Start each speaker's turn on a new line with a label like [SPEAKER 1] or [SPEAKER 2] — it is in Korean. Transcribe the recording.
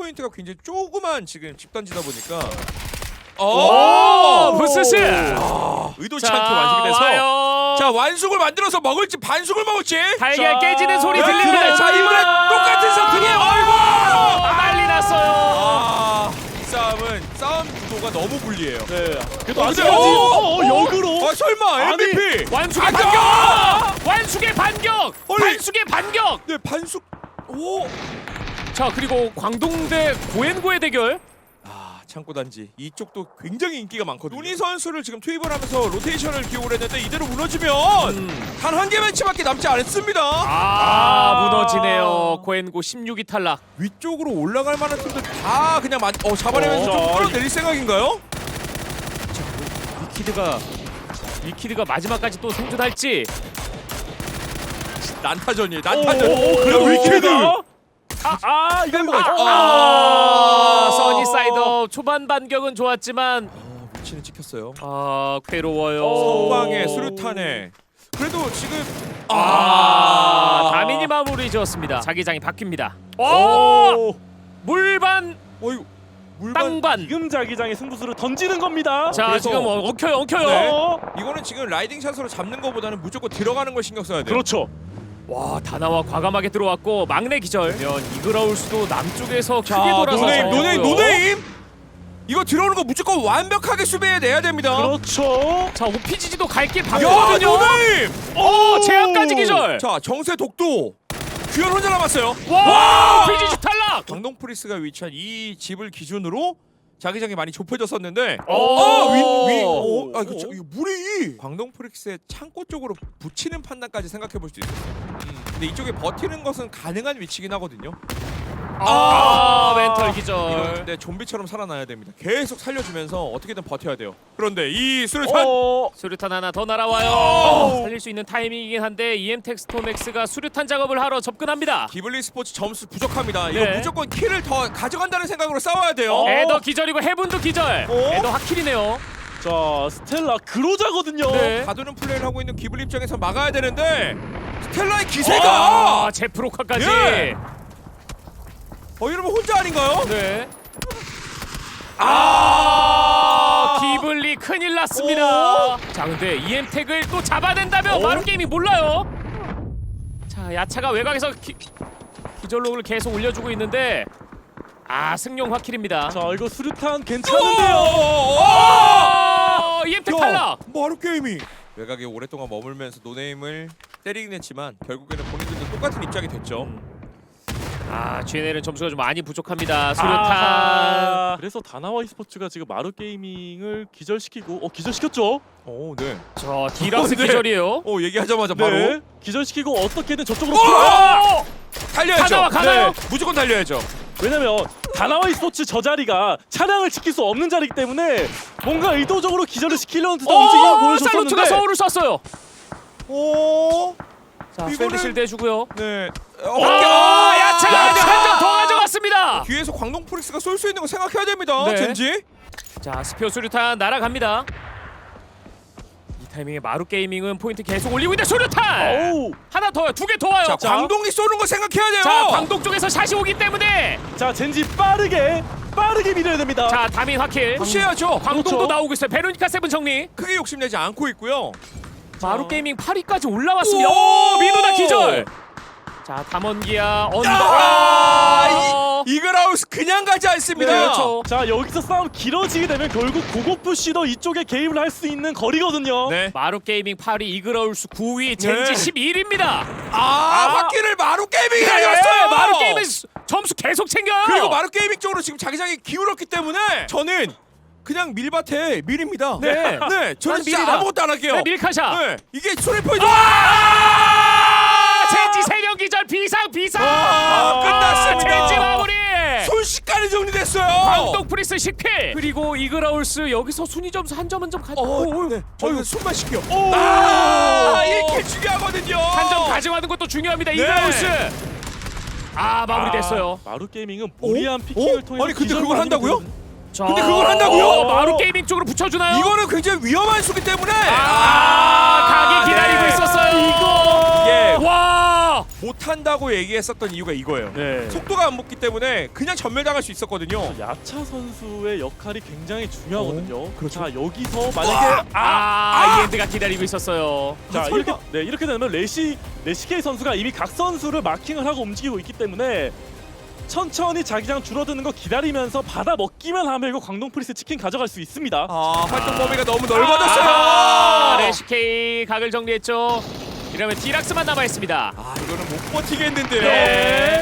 [SPEAKER 1] 포인트가 굉장히 조그만 지금 집단지다 보니까
[SPEAKER 2] 부스스.
[SPEAKER 1] 의도치 않게 완성이 돼서
[SPEAKER 2] 와요.
[SPEAKER 1] 자 완숙을 만들어서 먹을지 반숙을 먹을지
[SPEAKER 2] 달걀 깨지는 소리
[SPEAKER 1] 네,
[SPEAKER 2] 들립니다.
[SPEAKER 1] 자 이번에 똑같은 상황이에요. 아이고
[SPEAKER 2] 난리 났어요.
[SPEAKER 1] 이 싸움은 싸움 구도가 너무 불리해요.
[SPEAKER 3] 네. 그래도
[SPEAKER 1] 근데
[SPEAKER 3] 아직까지 역으로.
[SPEAKER 1] 아 설마
[SPEAKER 3] 아니,
[SPEAKER 1] MVP
[SPEAKER 2] 완숙의
[SPEAKER 1] 반격!
[SPEAKER 2] 반격. 완숙의 반격.
[SPEAKER 1] 아니.
[SPEAKER 2] 반숙의 반격.
[SPEAKER 1] 네 반숙 오
[SPEAKER 2] 자 그리고 광동대 고엔고의 대결.
[SPEAKER 1] 창고단지 이쪽도 굉장히 인기가 많거든요. 누니 선수를 지금 투입을 하면서 로테이션을 기용을 했는데 이대로 무너지면 단 한 개 매치밖에 남지 않습니다.
[SPEAKER 2] 무너지네요. 고엔고 16위 탈락.
[SPEAKER 1] 위쪽으로 올라갈 만한 팀들 다 그냥 잡아내면서 좀
[SPEAKER 3] 자,
[SPEAKER 1] 끌어내릴 생각인가요?
[SPEAKER 2] 위키드가 마지막까지 또 생존할지.
[SPEAKER 1] 난타전이에요. 난타전.
[SPEAKER 3] 그래도 위키드.
[SPEAKER 1] 이거
[SPEAKER 2] 써니사이더 초반 반격은 좋았지만
[SPEAKER 1] 위치는 찍혔어요.
[SPEAKER 2] 괴로워요.
[SPEAKER 1] 성광의 수류탄에 그래도 지금
[SPEAKER 2] 다민이 마무리 지었습니다. 자기장이 바뀝니다. 물반
[SPEAKER 1] 어이구 물반
[SPEAKER 2] 땅반.
[SPEAKER 3] 지금 자기장의 승부수를 던지는 겁니다.
[SPEAKER 2] 자
[SPEAKER 1] 그래서-
[SPEAKER 2] 지금 엉켜요.
[SPEAKER 1] 네. 이거는 지금 라이딩 샷으로 잡는 것보다는 무조건 들어가는 걸 신경 써야 돼요.
[SPEAKER 3] 그렇죠.
[SPEAKER 2] 와 다나와 과감하게 들어왔고 막내 기절. 면 이그라울수도 남쪽에서 크게
[SPEAKER 1] 자
[SPEAKER 2] 돌아서
[SPEAKER 1] 노네임 이거 들어오는 거 무조건 완벽하게 수비해내야 됩니다.
[SPEAKER 3] 그렇죠.
[SPEAKER 2] 자 OPGG도 갈 길
[SPEAKER 1] 야
[SPEAKER 2] 봤거든요.
[SPEAKER 1] 노네임
[SPEAKER 2] 제압까지 기절.
[SPEAKER 1] 자 정세 독도 규현 혼자 남았어요.
[SPEAKER 2] 와 OPGG 탈락.
[SPEAKER 1] 광동 프리스가 위치한 이 집을 기준으로 자기장이 많이 좁혀졌었는데 이거 물이 광동 프릭스의 창고 쪽으로 붙이는 판단까지 생각해 볼 수 있어요. 근데 이쪽에 버티는 것은 가능한 위치긴 하거든요.
[SPEAKER 2] 멘탈 기절.
[SPEAKER 1] 이건 근데 좀비처럼 살아나야 됩니다. 계속 살려주면서 어떻게든 버텨야 돼요. 그런데 이 수류탄
[SPEAKER 2] 수류탄 하나 더 날아와요. 살릴 수 있는 타이밍이긴 한데 EM텍스토맥스가 수류탄 작업을 하러 접근합니다.
[SPEAKER 1] 기블리 스포츠 점수 부족합니다. 이거
[SPEAKER 2] 네.
[SPEAKER 1] 무조건 킬을 더 가져간다는 생각으로 싸워야 돼요.
[SPEAKER 2] 에더 기절이고 해븐도 기절. 에더 하킬이네요.
[SPEAKER 3] 자 스텔라 그로자거든요.
[SPEAKER 2] 네.
[SPEAKER 1] 가두는 플레이를 하고 있는 기블리 입장에서 막아야 되는데 스텔라의 기세가
[SPEAKER 2] 제프로카까지.
[SPEAKER 1] 예. 이러면 혼자 아닌가요?
[SPEAKER 2] 네. 기블리 큰일 났습니다. 자 근데 EM텍을 또 잡아낸다면 마루게임이 몰라요. 자 야차가 외곽에서 기절록을 계속 올려주고 있는데 승용 화킬입니다.
[SPEAKER 3] 자 이거 수류탄 괜찮은데요.
[SPEAKER 2] EM텍 탈락.
[SPEAKER 1] 마루 게임이 외곽에 오랫동안 머물면서 노네임을 때리긴 했지만 결국에는 본인들도 똑같은 입장이 됐죠.
[SPEAKER 2] GNL은 점수가 좀 많이 부족합니다. 수류탄.
[SPEAKER 3] 그래서 다나와 e스포츠가 지금 마루 게이밍을 기절시키고 기절시켰죠.
[SPEAKER 1] 네.
[SPEAKER 2] 저 디락스
[SPEAKER 1] 네.
[SPEAKER 2] 기절이에요.
[SPEAKER 1] 얘기하자마자 바로
[SPEAKER 3] 네. 기절시키고 어떻게든 저쪽으로
[SPEAKER 1] 달려야죠.
[SPEAKER 2] 가나요?
[SPEAKER 1] 네. 무조건 달려야죠.
[SPEAKER 3] 왜냐면 다나와 e스포츠 저 자리가 차량을 지킬 수 없는 자리이기 때문에 뭔가 의도적으로 기절을 시키려는 듯한 움직임을 보여줬었는데
[SPEAKER 2] 살루트가 서울을 쐈어요. 자
[SPEAKER 1] 이거는-
[SPEAKER 2] 샌드실드 해주고요.
[SPEAKER 1] 네.
[SPEAKER 2] 야차가 한 점 더 가져갔습니다.
[SPEAKER 1] 뒤에서 광동 프릭스가 쏠 수 있는 거 생각해야 됩니다.
[SPEAKER 2] 네.
[SPEAKER 1] 젠지.
[SPEAKER 2] 자 스피어 수류탄 날아갑니다. 이 타이밍에 마루 게이밍은 포인트 계속 올리고 있는데 수류탄 하나 더요. 2개 더 와요.
[SPEAKER 1] 자, 광동이 쏘는 거 생각해야 돼요.
[SPEAKER 2] 자 광동 쪽에서 샷이 오기 때문에
[SPEAKER 3] 자 젠지 빠르게 밀어야 됩니다.
[SPEAKER 2] 자 다민 화킬.
[SPEAKER 1] 푸시해야죠.
[SPEAKER 2] 광동도
[SPEAKER 3] 그렇죠.
[SPEAKER 2] 나오고 있어요. 베로니카 세븐 정리.
[SPEAKER 1] 크게 욕심내지 않고 있고요.
[SPEAKER 2] 마루 게이밍 8위까지 올라왔습니다.
[SPEAKER 1] 오!
[SPEAKER 2] 민호다 기절. 자 담원기아 언더.
[SPEAKER 1] 이글하우스 그냥 가지 않습니다.
[SPEAKER 2] 네, 그렇죠.
[SPEAKER 3] 자 여기서 싸움 길어지게 되면 결국 고고푸시도 이쪽에 개입을 할 수 있는 거리거든요.
[SPEAKER 1] 네.
[SPEAKER 2] 마루 게이밍 8위, 이그라울스 9위, 젠지
[SPEAKER 1] 네.
[SPEAKER 2] 11위입니다.
[SPEAKER 1] 화기를 마루 게이밍이 가져갔어요.
[SPEAKER 2] 마루 게이밍 점수 계속 챙겨요.
[SPEAKER 1] 그리고 마루 게이밍 쪽으로 지금 자기장이 기울었기 때문에 저는 그냥 밀밭에 밀입니다.
[SPEAKER 2] 네.
[SPEAKER 1] 네. 저는 진짜
[SPEAKER 2] 밀이다.
[SPEAKER 1] 아무것도 안 할게요.
[SPEAKER 2] 네, 밀카샷.
[SPEAKER 1] 네. 이게 소리 포인트.
[SPEAKER 2] 젠지 3명 기절 비상.
[SPEAKER 1] 끝났습니다.
[SPEAKER 2] 젠지 마무리.
[SPEAKER 1] 순식간에 정리됐어요.
[SPEAKER 2] 광동 프리스 10킬. 그리고 이그라울스 여기서 순위 점수 한 점은 좀
[SPEAKER 1] 네. 저희가 숨만 쉬겨. 1킬 중요하거든요.
[SPEAKER 2] 한 점 가져가는 것도 중요합니다. 이그라울스. 마무리됐어요.
[SPEAKER 3] 마루 게이밍은 무리한 피킹을 통해
[SPEAKER 1] 아니 근데 그걸 한다고요?
[SPEAKER 2] 자,
[SPEAKER 1] 근데 그걸 한다고요?
[SPEAKER 2] 마루 게이밍 쪽으로 붙여주나요?
[SPEAKER 1] 이거는 굉장히 위험한 수기 때문에
[SPEAKER 2] 각이 기다리고
[SPEAKER 1] 네.
[SPEAKER 2] 있었어요.
[SPEAKER 1] 예.
[SPEAKER 2] 와.
[SPEAKER 1] 못한다고 얘기했었던 이유가 이거예요.
[SPEAKER 3] 네.
[SPEAKER 1] 속도가 안 붙기 때문에 그냥 전멸당할 수 있었거든요.
[SPEAKER 3] 야차 선수의 역할이 굉장히 중요하거든요.
[SPEAKER 1] 그렇죠.
[SPEAKER 3] 자 여기서 만약에
[SPEAKER 2] 이엔드가 기다리고 있었어요.
[SPEAKER 3] 자
[SPEAKER 1] 설마.
[SPEAKER 3] 이렇게 되면 레시케이 선수가 이미 각 선수를 마킹을 하고 움직이고 있기 때문에 천천히 자기장 줄어드는 거 기다리면서 받아 먹기만 하면 이거 광동 프리스 치킨 가져갈 수 있습니다.
[SPEAKER 1] 활동 범위가 너무 넓어졌어요.
[SPEAKER 2] 레시케이 각을 정리했죠. 이러면 디락스만 남아 있습니다.
[SPEAKER 1] 이거는 못 버티겠는데요.
[SPEAKER 2] 네.